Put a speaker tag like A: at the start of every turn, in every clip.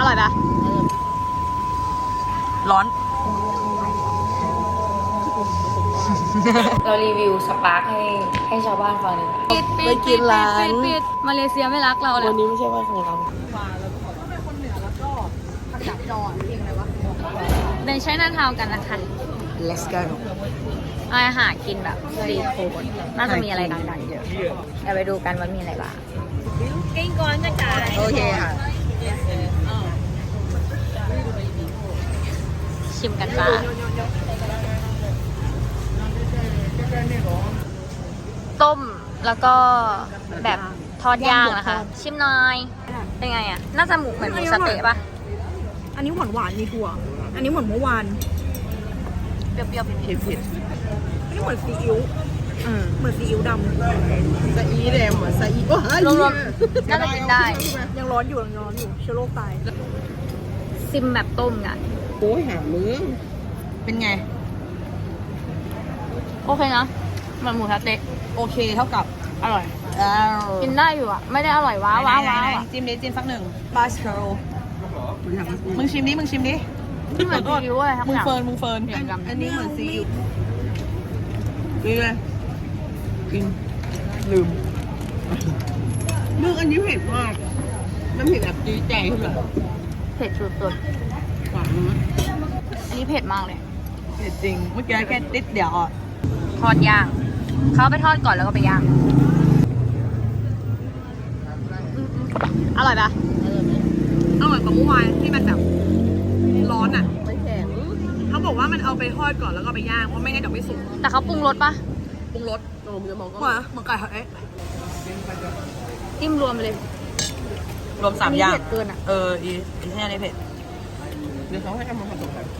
A: ร่อยปะร้อน
B: เรารีวิวสปาร์คให้ชาวบ้านฟังดีกว่าไปกินร้านมาเลเซียไม่รักเราเลย
A: วันนี้ไม่ใช่วันของเรา
B: เป็นใช้หน้าทาวกันนะคะ
A: Let's go
B: อาหารกินแบบสตรีทฟู้ดน่าจะมีอะไรดังๆเยอะเดี๋ยวไปดูกันว่ามีอะไรบ้างกินก่อนนะจ๊ะ
A: โอเคค่ะ
B: ชิมกันจ้าต้มแล้วก็แบบทอดย่างนะคะ ชิมหน่อย เป็นไงอ่ะ น่าจะเหมือนหมูสะเต๊ะปะ
C: อันนี้หวานหวานมีถั่ว อันนี้เหมือนเมื่อวาน
B: เปรี้ยวๆเผ็ด
C: อันนี้เหมือนซีอิ๊ว
B: ๆอืม
C: เหมือนซีอิ๊วดำ
A: ซาอีแดงเหมือนซาอีว้าร
B: วมๆน่าจะกินได้
C: ยังร้อนอยู่เชื้อโรคตาย
B: ซิมแบบต้มกัน
A: โอ้ยหามึงเป็นไง
B: โอเคนะเหมือนหมูสะเต๊ะ
A: โอเคเท่ากับ
B: อร่อย
A: อ้าว
B: กินได้อยู่อ่ะ ไม่ได้อร่อยว้าวว้าวว้าวอะ
A: จิ้มดิจิ้มสักหนึ่งบาสเคิลมึงชิมดิ มึงชิมดิ
B: ที่เหมือนซีอิ๊วอะไรทั้ง
A: มึ
B: อง ย่าง
A: เฟิร์น มึงเฟิร์น อันนี้เหมือนซีอิ๊วนี่ไงกินลืมมึงอันนี้เผ็ดมาก มันเผ็ดแบบจี๊ดใจขึ้นเลย
B: เผ็ดสุด
A: หวานมาก
B: ๆอันนี้เผ็ดมากเลย
A: เผ็ดจริง เมื่อกี้แค่ติดเดียวอ่ะ
B: ทอดย่าง เขาไปทอดก่อนแล้วก็ไปย่าง อร่อยปะ
C: อร่อยกว่าเมื่อวานที่มันแบบร้อนอ่ะ
A: ไม่แข็ง
C: เขาบอกว่ามันเอาไปทอดก่อนแล้วก็ไปย่าง เพราะไม่งั้นเดี๋ยวไม่สุก
B: แต่เขาปรุงรสปะ
C: ปรุงรส
A: โอ้มึงจะมองก็
C: เหมือนไก่ทอดเอ๊ะ
B: จิ้มรวมไปเลย
A: รวม3 อย่าง
B: เผ็ดเกินอ่ะ
A: อีแค่นี้เผ็ด เดี๋ยวเขาให้ทำมาผสมกัน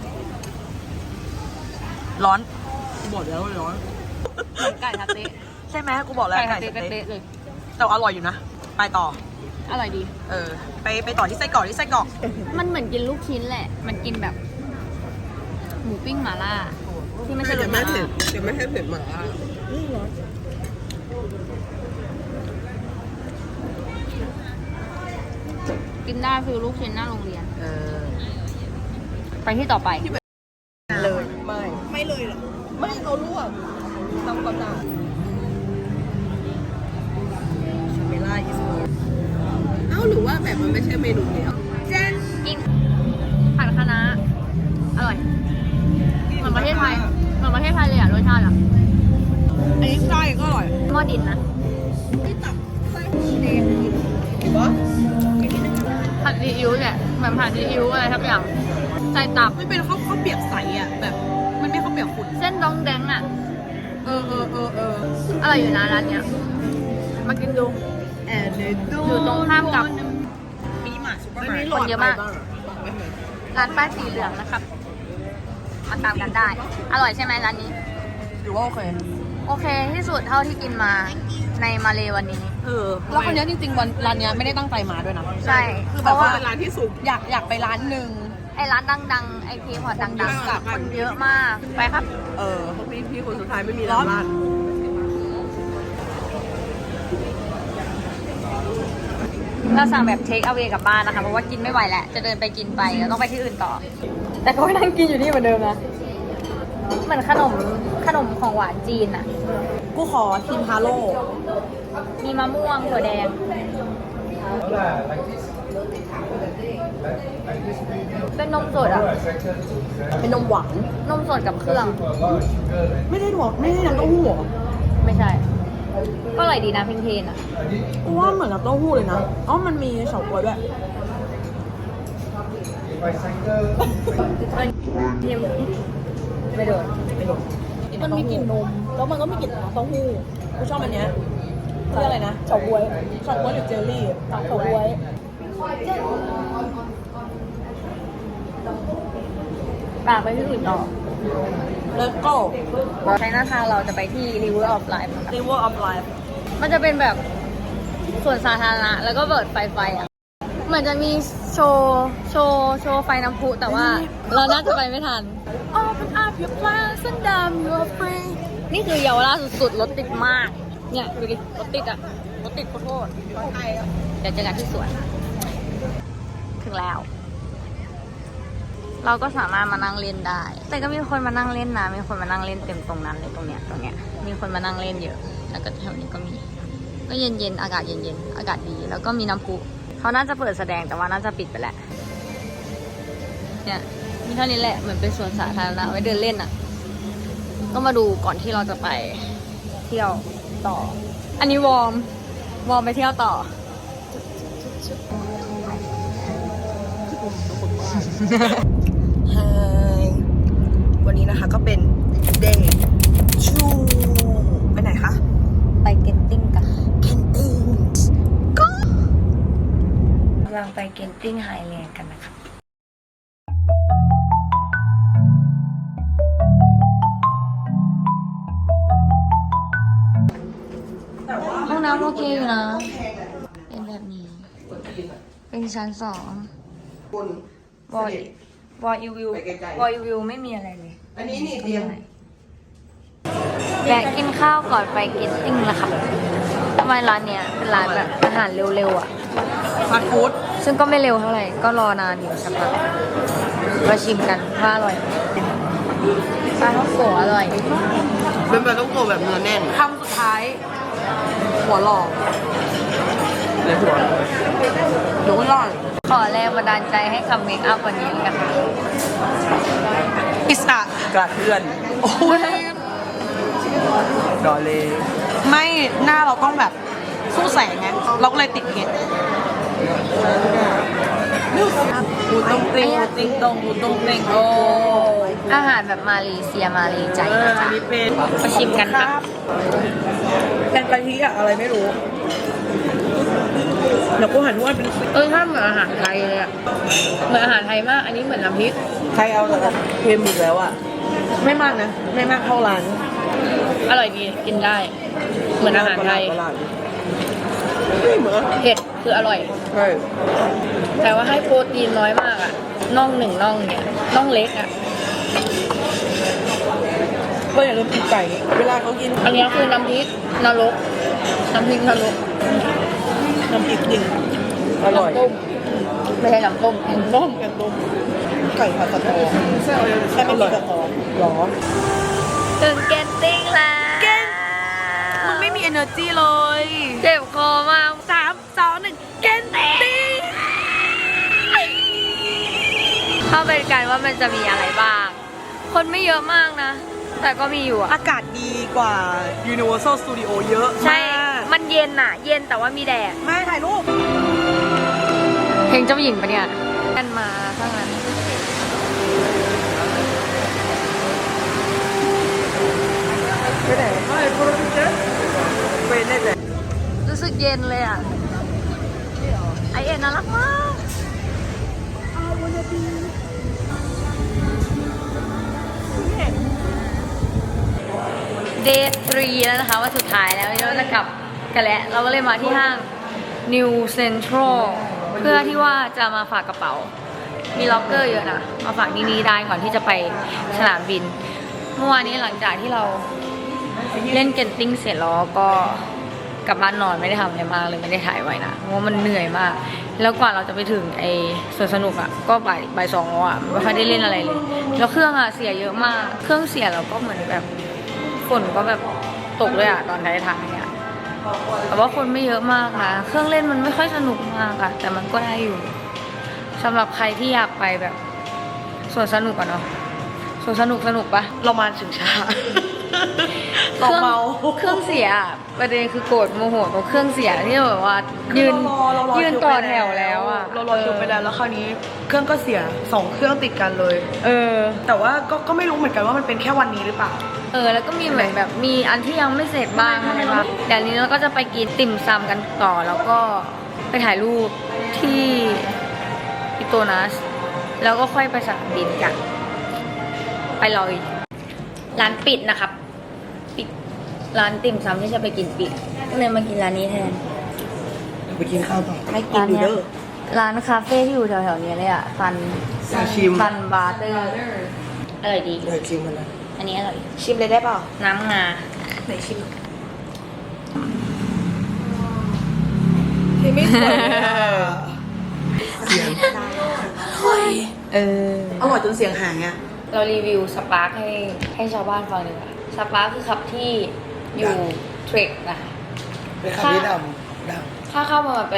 A: ร้อน กูบอกแล้วว่าร้อน
B: ไก่ทาเต๊ะ
A: ใช่ไหมกูบอกแล้ว
B: ไก่ทา
A: ไก่
B: เต๊ะ
A: สะเต๊ะ
B: เลย
A: แต่อร่อยอยู่นะ ไปต่อ
B: อร่อยดี
A: ไปต่อที่ไส้กรอกที่ไส้กรอก
B: มันเหมือนกินลูกชิ้นแหละ มันกินแบบ หมูปิ้งหม่าล่า ที่ไม่ใช่รสหม่าล่า
A: จะไม่ให้เผ็ดมาก
B: กินได้คือลูกชิ้นหน้าโรงเรียน ไปที่ต่อไป
A: เลยไม่
C: ไม่เลยเหรอ
A: ไม่เอาลวกทำก่อนหน้าชาเมล่าอิสโมเอ้าหรือว่าแบบมันไม่ใช่เมนูเดียว
B: กินผัดคะน้าอร่อย เหมือนประเทศไทย เหมือนประเทศไทยเลยอ่ะรสชาติอ่ะ
C: อันนี้ไส้ก็อร่อย
B: หม้อดินนะ
A: เห็นปะ
B: ผัดซีอิ๊วเนี่ยเหมือนผัดซีอิ๊วอะไรทักอย่างใส่ตับ
C: มันเป็นข้าวเปียกใสอ่ะ แบบ มันไม่ข้าวเปียกขุ่น
B: เส้นดองแดงอ่ะ
C: เออ
B: อร่อยอยู่นะร้านเนี้ย มากินดู อยู่ตรงข้ามกับ
A: มีหมาซุปเปอร์
C: ไม่
A: มาร์เก็ต
C: มีหลอด
B: คนเยอะมาก
C: ไปบ้างเหรอ
B: ร้านป้ายสีเหลืองนะครับ มาตามกันได้ อร่อยใช่ไหมร้านนี้
A: หรือว่าโอเค
B: โอเคที่สุดเท่าที่กินมาในมาเลวันนี้
A: แล้วคนนี้จริงๆวันร้านนี้ไม่ได้ตั้งใจมาด้วยนะ
B: ใช่
A: คือ
B: เพ
A: แบบ
B: ราะ
A: ว่า
B: ว่า
A: เป็นร้านที่สูงอยากไปร้านหนึ่ง
B: ไอ้ร้านดังๆ ไอ้ทีพอร์ตดังๆคนเยอะมาก ไปครับ
A: เพราะพี่คนสุดท้ายไม่มีร้านบ้าน
B: เราสั่งแบบเทคเอา a y กลับบ้านนะคะ เพราะว่ากินไม่ไหวแล้ว จะเดินไปกินไปแล้วต้องไปที่อื่นต่อ แต่ก็นั่งกินอยู่นี่เหมือนเดิมนะ เหมือนขนมของหวานจีนอะ
A: กูขอทิมฮาโร่
B: มีมะม่วงถั่วแดง เป็นนมสดอะ
A: เป็นนมหวาน
B: นมสดกับเครื่อง
A: ไม่ได้ถั่วไม่ได้น้ำเต้าหู้เหรอ
B: ไม่ใช่ ก็อร่อยดีนะเพนๆอะ
A: กูว่าเหมือนน้ำเต้าหู้เลยนะอ๋อมันมีเฉาก๊วยด้วย
B: ทิมไม่โดน
A: มันมีกลิ่นนม แล้วมันก็มีกลิ่นน้ำเต้าหู้กูชอบอันเนี้ยเรียกอะไรนะเฉาก๊วยเฉาก๊วยหรือเจลลี่เฉาก๊วย
B: ปากไปที่อื่นต่อ
A: แล้วก็
B: ใช้หน้าทางเราจะไปที่ River of Life นะคะ
A: River of Life
B: มันจะเป็นแบบส่วนสาธารณะแล้วก็เปิดไฟอ่ะ เหมือนจะมีโชว์ไฟน้ำพุแต่ว่าเราน่าจะไปไม่ทัน Open up your plans and damn you're free นี่คือเยาวราชสุดๆรถติดมาก เนี่ยดูดิรถติดอ่ะ รถติดโคตรเดี๋ยวเจอกันที่สวน ถึงแล้วเราก็สามารถมานั่งเล่นได้ แต่ก็มีคนมานั่งเล่นนะมีคนมานั่งเล่นเต็มตรงนั้นเลยตรงเนี้ยมีคนมานั่งเล่นเยอะแล้วก็แถวนี้ก็มีก็เย็นๆอากาศเย็นๆอากาศดีแล้วก็มีน้ำพุเขาน่าจะเปิดแสดงแต่ว่าน่าจะปิดไปแล้วเนี่ยมีเท่านี้แหละเหมือนเป็นสวนสาธารณะไว้เดินเล่นอ่ะก็มาดูก่อนที่เราจะไปเที่ยวต่ออันนี้วอร์มไปเที่ยวต่อ
A: ไฮวันนี้นะคะก็เป็นเดย์ชูไปไหนคะ
B: ไปเก็ตติ้งกัน
A: เคนติงก็
B: กำลังไปเก็ตติ้งไฮแลนด์กันนะคะห้องน้ำโอเคอยู่นะ เป็นแบบนี้ เป็นชั้น2วอลอีวิวไม่มีอะไรเลย
A: อันนี้นี่เตียง
B: แวะกินข้าวก่อนไปเก็ตติ้งละค่ะทำไมร้านเนี้ยเป็นร้านแบบอาหารเร็วๆอ่ะ
A: ฟาสต์ฟู้ด
B: ซึ่งก็ไม่เร็วเท่าไหร่ ก็รอนานอยู่สักพักมาชิมกันว่าอร่อยไหมปลาท่องโกะอร่อย
A: เป็นแบบต้องโกแบบเนื้อแน่น
C: คำสุดท้าย หัวหลอก
A: เลยหัว
C: หนูหลอก
B: ขอแรงบันดาลใจให้คำเมคอัพวันนี้กันค่ะ
C: อิสระ
A: กระเทือน
C: โอ้ย
A: ดอเลย
C: ไม่หน้าเราต้องแบบสู้แสงไงเราก็เลยติดเพชร
A: หูตรงติงหูติงตรงหูตรงติงโอ้
B: อาหารแบบมาเลเซียมาเลใจ
A: อันนี้เป็น
B: มาชิมกันค่ะ
A: แกงกะทิอะอะไรไม่รู้เดี๋ยวกูหันว่าเป็น
B: ถ้าเหมือนอาหารไทยเลยอะเหมือนอาหารไทยมาก อันนี้เหมือนน้ำพริก
A: ใครเอาแต่เค็มอีกแล้วอะไม่มากนะ ไม่มากเท่าร้าน
B: อร่อยดีกินได้ เหมือนอาหารไทย
A: ไม่เหมือน
B: เผ็ดคืออร่อย
A: ใช่
B: แต่ว่าให้โปรตีนน้อยมากอะน่อง1น่องเนี่ยน่องเล็กอะ
A: ก็อย่าลืมกินไก่เวลาเขากิน
B: อันนี้คือน้ำพริกนรกน้ำพริกนรก
A: น้ำพริกจริงอร่อย
B: น้ำต้มไม่ใช่น้ำต้มน้ำต้ม
A: แกงต้มไก่ผัดสะตอแค่ไม่มีสะตอหรอ
B: ถึงเกนติ้งแล้ว
C: มึงไม่มี energy เลย
B: เจ็บคอมาก
C: 3 2 1 เกนติ้ง
B: เข้าไปกันว่ามันจะมีอะไรบ้าง คนไม่เยอะมากนะ แต่ก็มีอยู่อะ
C: อากาศดีกว่า Universal Studio เยอะ
B: ใช่
C: มาก
B: มันเย็นอะเย็นแต่ว่ามีแดด
C: ไม่ถ่ายรูป
B: เพลงเจ้าหญิงปะเนี่ยกันมาข้างนั้น
A: ไปไหนไม่โปรดิวเซอร์ไปไหนเลย
B: รู้สึกเย็นเลยอะไอเอ็นน่ารักมากเดย์3แล้วนะคะว่าสุดท้ายแล้วเราจะกลับกันแล้วเราก็เลยมาที่ห้าง New Central เพื่อที่ว่าจะมาฝากกระเป๋า มีล็อกเกอร์เยอะนะ มาฝากนี่ได้ก่อนที่จะไปสนามบิน เมื่อวานนี้หลังจากที่เราเล่นเก็ตติ้งเสร็จแล้วก็กลับบ้านนอนไม่ได้ทำอะไรมากเลยไม่ได้ถ่ายไว้นะเพราะว่ามันเหนื่อยมาก แล้วกว่าเราจะไปถึงไอ้สวนสนุกอ่ะก็บ่าย2แล้วอ่ะไม่ค่อยได้เล่นอะไรเลย แล้วเครื่องอ่ะเสียเยอะมาก เครื่องเสียแล้วก็เหมือนแบบฝนก็แบบตกเลยอ่ะตอนท้ายๆอ่ะแต่ว่าคนไม่เยอะมากนะเครื่องเล่นมันไม่ค่อยสนุกมากอะแต่มันก็ได้อยู่สำหรับใครที่อยากไปแบบสวนสนุกอะเนาะสวนสนุกปะ
C: เรามาถึงช้า
B: เครื่องเสียอะประเด็นคือโกรธโมโหตรงเครื่องเสียที่แบบว่ายืนต่อแถวแล้วอะ
C: เรารอคิวไปแล้วคราวนี้เครื่องก็เสีย2เครื่องติดกันเลย แต่ว่าก็ไม่รู้เหมือนกันว่ามันเป็นแค่วันนี้หรือเปล่า
B: แล้วก็มีเหมือนแบบมีอันที่ยังไม่เสร็จบ้างใช่ปะเดี๋ยวนี้เราก็จะไปกินติ่มซำกันต่อแล้วก็ไปถ่ายรูปที่อิโตนัสแล้วก็ค่อยไปสนามบินกันไปเลยร้านปิดนะครับปิดร้านติ่มซำที่จะไปกินปิดก็เลยมากินร้านนี้แทน
A: ไปกินข้าวต่อให้กิน
B: ร้าน
A: ดู
B: เนี้ย
A: เด้อ
B: ร้านคาเฟ่ที่อยู่แถวๆนี้เลยอ่ะฟัน
A: ชิม
B: ฟันบาร์เตอร์อร่อยดี
A: เดี๋ยวชิมมันนะ
B: อันนี้อร่อย
C: ชิมเลยได้เปล่า
B: น้ำงา
C: ไหนชิมที่ไม่สวยเลยอะ
A: เสียง
C: เฮ้ยอร่อยจนเสียงหายอ่ะ
B: เรารีวิวสปาร์คให้ชาวบ้านฟังดีกว่าสปาร์คคือขับที่อยู่เทรคนะคะ
C: เป็นคำที่ดำ
B: ค่าเข้าประมาณ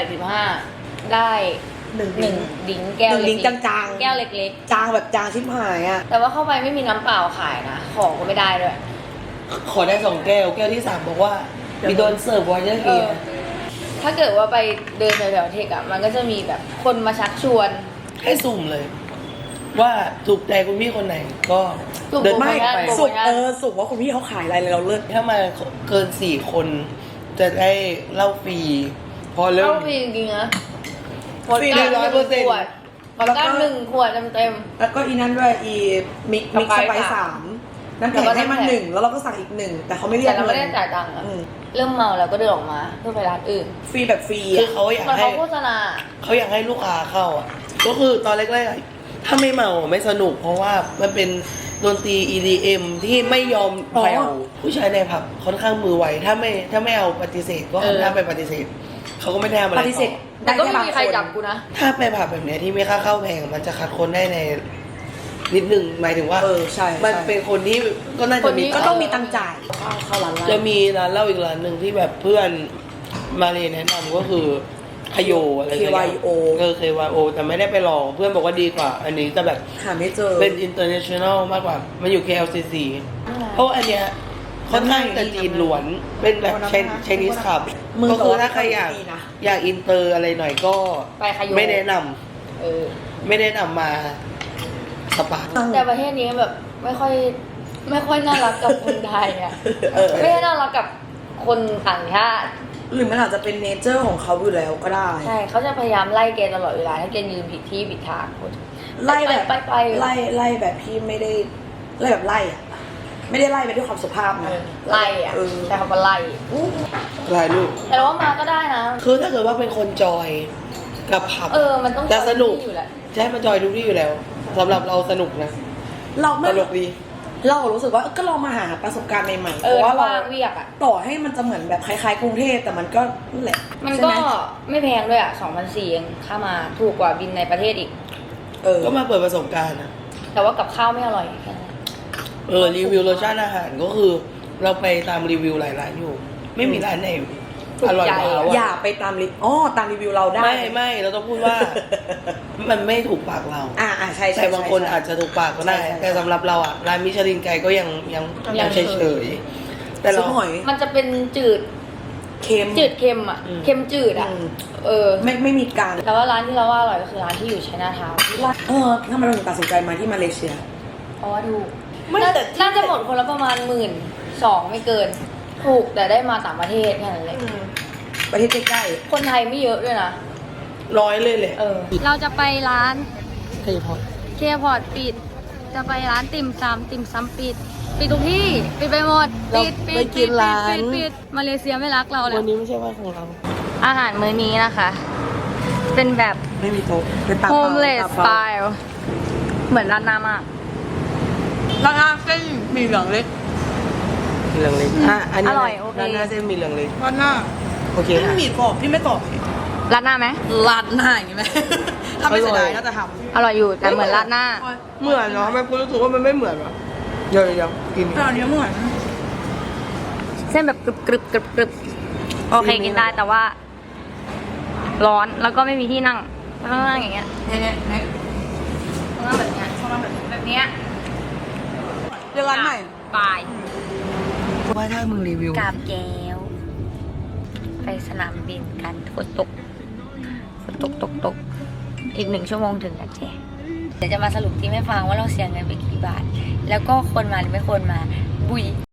B: 85ได้หนึ่งดิ้งแก้ว
C: หนึ่งดิ้ง
B: เล็ก
C: จางๆ
B: แก้วเล็ก
C: จางแบบจางชิบหายอ่ะ
B: ๆ แต่ว่าเข้าไปไม่มีน้ำเปล่าขายนะ ของก็ไม่ได้ด้วย
C: ขอได้2 แก้ว แก้วที่ 3 บอกว่ามีโดนเสิร์ฟไวเยอร์
B: เอ
C: เกี
B: อ ถ้าเกิดว่าไปเดินแถวๆเทคอะมันก็จะมีแบบคนมาชักชวน
C: ให้สุ่มเลย ว่าถูกใจคุณพี่คนไหนก็
B: สุ่ม
C: เดิน
B: ไม่
C: ไม่ไป
B: สุ่ม
D: สุกว่าคุณพี่เขาขายอะไรเลยเราเลิศ
C: ถ้ามาเกิน4 คน จะได้เหล้าฟรีพอเริ่
B: เข้าม ฟรีจริงๆนะ
C: ฟรี100%
B: ขวดพอดก้า1 ขวดเต็ม
D: แล้วก็อีนั้นด้วยอีมิก
B: สไปซ์
D: สไปซ์
B: สาม
D: 3น้ำแข็งให้มัน
B: แล้วก็น้ำแข็ง
D: 1แล้วเราก็สั่งอีก1แต่เขาไม่
B: ๆ
D: เรีย
B: แต่
D: ก
B: เราไม่ได้
D: เงิน
B: จ่ายตังค์อะ
D: อืม
B: เริ่มเมาแล้วก็เดินออกมาเพื่อไปร้านอื่น
D: ฟรีแบบฟรี
C: คือ
D: อ่ะ
C: เขาอยาก
B: มัน
C: ให้
B: เขาโฆษณา
C: เขาอยากให้ลูกค้าเข้าอ่ะ ก็คือตอนแรกๆอะถ้าไม่เมาไม่สนุก เพราะว่ามันเป็นดนตรี EDM ที่ไม่ยอมแผ่วผู้ชายในผับค่อนข้างมือไวถ้าไม่เอาปฏิเสธก็ถ้าไปปฏิเสธเขาก็ไม่ได้ทำอะไร
D: ปฏิเสธ
B: แต่
D: ได้
B: ก็
D: แค่
B: ไม่
D: บาง
B: มี
D: ค
B: ใคร
D: น
B: จับกูนะ
C: ถ้าไปผับแบบเนี้ยที่ไม่ค่าเข้าแพงมันจะคัดคนได้ในนิดหนึ่งหมายถึงว่า
D: ใช่
C: มันเป็นคนที่ก็น่า
B: ค
C: จะ
B: นนี้
C: มี
D: ก็ต้องมีตังค์จ่ายเข้าร้านเหล้า
C: จะมีร้านเหล้าอีกร้านหนึ่งที่แบบเพื่อนมาเรียนแนะนำก็คือคโยอะไรสักอย่าง
D: KYO
C: KYO แต่ไม่ได้ไปลองเพื่อนบอกว่าดีกว่า อันนี้จะแบบ
D: หาไม่เจอ
C: เป็น international มากกว่า มันอยู่ KLCC เพราะว่าอันเนี้ยค่อนข้างจะจีนล้วน เป็นแบบไชนีสขับ
D: มึง
C: ก็คือ
D: แต่ว่า
C: ถ้าใครอยาก
D: ดีนะ
C: อยากอินเตอร์อะไรหน่อยก็
B: ไปขยโย
C: ไม่แนะน
B: เออ
C: ำไม่แนะนำมาสปาร์ค
B: แต่ประเทศนี้แบบไม่ค่อยน่ารักกับคนไทยอ่ะ ไม่ได้น่ารักกับคนต่างชาติ
D: หรือมันอาจจะเป็นเนเจอร์ของเขาอยู่แล้วก็ได้
B: ใช่เขาจะพยายามไล่แกตลอดเวลาให้แกยืนผิดที่ผิดทาง
D: ไล่แบบ
B: ไป
D: ไล่แบบพี่ไม่ได้ไล่แบบไล่อะไม่ได้ไล่ไปด้วยความสุภาพนะ
B: ไล่อ่ะ
D: เออ
B: ใช้คำว่าไล่
C: รายลูก
B: แต่ว่ามาก็ได้นะ
C: คือถ้าเกิดว่าเป็นคนจอยกับผับ
B: มันต้อง
C: จะสนุก
B: อยู่แหละ
C: ใช่มันจอยทุกที่อยู่แล้วสำหรับเราสนุกนะ
D: เรา
C: ต
D: ไม่
C: ลกดี
D: เรารู้สึกว่าก็ลองมาหาประสบการณ์ใหม่ๆเพ
B: ถ้า
D: ราะว่าเรา
B: ว่างเวียกอ่ะ
D: ต่อให้มันจะเหมือนแบบคล้ายๆกรุงเทพแต่มันก็นั่นแหละ
B: มัน
D: ใช่
B: ก็
D: ไห
B: ไม่แพงด้วยอ่ะ2,400เองค่ามาถูกกว่าบินในประเทศอีก
C: ก็มาเปิดประสบการณ์นะ
B: แต่ว่ากับข้าวไม่อร่อยแค่นั้น
C: รีวิวรสชาติอาหารก็คือ เราไปตามรีวิวหลายร้านอยู่ ไม่มีร้านไหนอร่อยกว่าเรา
D: อย่า
C: อะ
D: ไปตามรีตามรีวิวเราได้
C: ไม่เราต้องพูดว่า มันไม่ถูกปากเรา
D: ใช่ใช่
C: แต่บางคน
D: ใช่
C: อาจจะถูกปากก็ได้
D: ใช่
C: แต่สำหรับเราอ่ะร้านมิชลินไกด์ก็ยังเฉยๆแต่
D: ซุ
C: เรา
D: ปหอย
B: มันจะเป็นจืด
D: เค็ม
B: เค็มอ่ะ เค็มจืดอ่ะ
D: ไม่มีการ
B: แต่ว่าร้านที่เราว่าอร่อยก็คือร้านที่อยู่ชัยนาทาวน์
D: ทำไมเราถึงตัดสินใจมาที่มาเลเซีย
B: เพราะว่าถูก
D: ไม่แต่ที่
B: น่าจะหมดคนละประมาณ12,000ไม่เกิน ถูกแต่ได้มาต่างประเทศแค่นั้นเลย
D: ประเทศใกล้
B: คนไทยไม่เยอะด้วยนะ
C: ร้อยเลยแหละ
B: เราจะไปร้าน
C: เคยพอ
B: เคพอร์ตปิด จะไปร้านติ่มซำปิดทุกที่ ปิดไปหมด ปิดมาเลเซียไม่รักเราเลย
C: วันนี้ไม่ใช่ว่าของเรา
B: อาหารมื้อนี้นะคะ เป็นแบบ
D: ๆไม่มีโต๊ะเป็นตา
B: homeless style เหมือนร้านน้ำอ่ะ
D: ราคาเส้นมีเหลืองเล็ก
C: มีเหลืองเล็กอันนี้
B: อร่อยโอเค
C: ร้านหน้าเส้นมีเหลืองเล็ก
D: ร้านหน้า
C: โอเค
D: ไม่มีกรอบพี่ไม่ตอบ
B: ร้านหน้าไหม
D: ร้านหน้าอย่างงี้ไหมถ้าไม่เสียดายน่าจะท
B: อร่อยอยู่แต่เหมือนร้านหน้า
C: เหมือนเนาะทำไมคุณรู้สึกว่ามันไม่เหมือนวะเดี๋ยวกิน
D: ำแต่อันนี้เหมือน
B: เส้นแบบกรึบโอเคกินได้แต่ว่า ร้อนแล้วก็ไม่มีที่นั่งต้องนั่งอย่างเงี้ย
D: เนี่ย
B: ต้องนั่งแบบเนี้ยแบบเนี้ย
D: เรื่องร้านใหม่
B: บาย
C: ว่าถ้ามึงรีวิว
B: กาบแก้ว ไปสนามบินกันฝนตกอีก1 ชั่วโมงถึงกันเจ๊เดี๋ยวจะมาสรุปที่ไม่ฟังว่าเราเสียเงินไปกี่บาท แล้วก็ควรมาหรือไม่ควรมาบุย